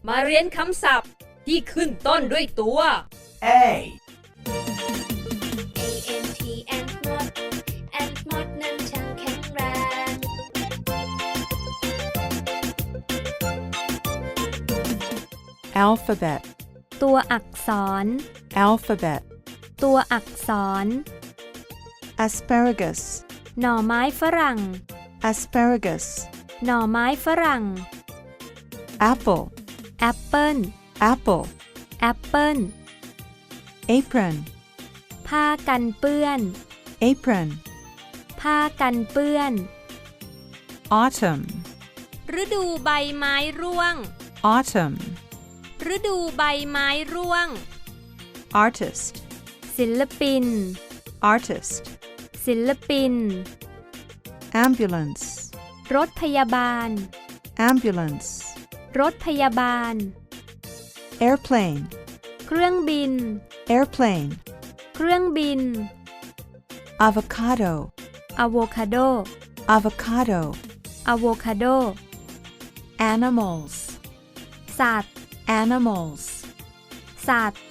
มาเรียนคำศัพท์ที่ขึ้นต้นด้วยตัว A ANT ant moth ant moth นั้นช่างแข็งแรง alphabet ตัวอักษร alphabet ตัวอักษร asparagus หน่อไม้ฝรั่ง asparagus หน่อไม้ฝรั่ง apple แอปเปิ้ล apple แอปเปิ้ล apron ผ้ากันเปื้อน apron ผ้ากันเปื้อน autumn ฤดูใบไม้ร่วง autumn ฤดูใบไม้ร่วง artist ศิลปิน artist ศิลปิน ambulance รถพยาบาล ambulance รถพยาบาล airplane เครื่องบิน airplane เครื่องบิน avocado อะโวคาโด avocado อะโวคาโด animals สัตว์ animals สัตว์